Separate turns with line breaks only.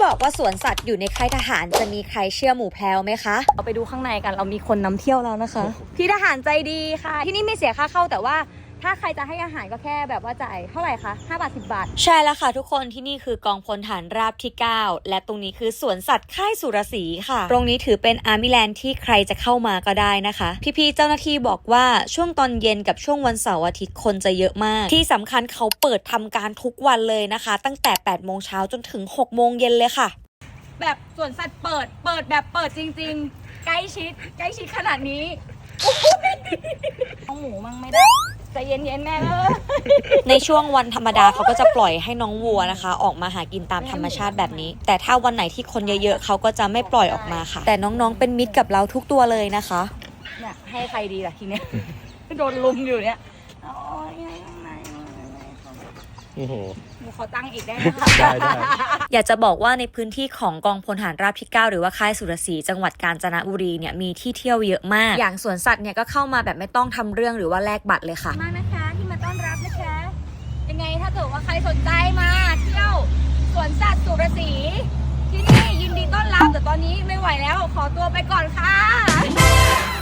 บอกว่าสวนสัตว์อยู่ในค่ายทหารจะมีใครเชื่อหมูแพลวไหมคะเราไปดูข้างในกันเรามีคนนำเที่ยวแล้วนะคะพี่ทหารใจดีค่ะที่นี่ไม่เสียค่าเข้าแต่ว่าถ้าใครจะให้อาหารก็แค่แบบว่าจ่ายเท่าไหร่คะ5 บาท 10 บาทใช่แล้วค่ะทุกคนที่นี่คือกองพลฐานราบที่ 9และตรงนี้คือสวนสัตว์ค่ายสุรศรีค่ะตรงนี้ถือเป็นอาร์มิแลนด์ที่ใครจะเข้ามาก็ได้นะคะพี่ๆเจ้าหน้าที่บอกว่าช่วงตอนเย็นกับช่วงวันเสาร์อาทิตย์คนจะเยอะมากที่สำคัญเขาเปิดทำการทุกวันเลยนะคะตั้งแต่8 โมงเช้าจนถึง6 โมงเย็นเลยค่ะแบบสวนสัตว์เปิดแบบเปิดจริงๆใกล้ชิดขนาดนี้น้องหมูมั่งไม่ได้ใจเย็นๆแม่ในช่วงวันธรรมดาเขาก็จะปล่อยให้น้องวัวนะคะออกมาหากินตามธรรมชาติแบบนี้แต่ถ้าวันไหนที่คนเยอะๆเขาก็จะไม่ปล่อยออกมาค่ะแต่น้องๆเป็นมิตรกับเราทุกตัวเลยนะคะเนี่ยให้ใครดีล่ะทีเนี้ยโดนลุมอยู่เนี่ย
โอ้โห
ขอตั้งอีกได้ไหมคะได้อยากจะบอกว่าในพื้นที่ของกองพลทหารราบที่ 9หรือว่าค่ายสุรศรีจังหวัดกาญจนบุรีเนี่ยมีที่เที่ยวเยอะมากอย่างสวนสัตว์เนี่ยก็เข้ามาแบบไม่ต้องทำเรื่องหรือว่าแลกบัตรเลยค่ะมากนะคะที่มาต้อนรับนะคะยังไงถ้าเกิดว่าใครสนใจมาเที่ยวสวนสัตว์สุรศรีที่นี่ยินดีต้อนรับแต่ตอนนี้ไม่ไหวแล้วขอตัวไปก่อนค่ะ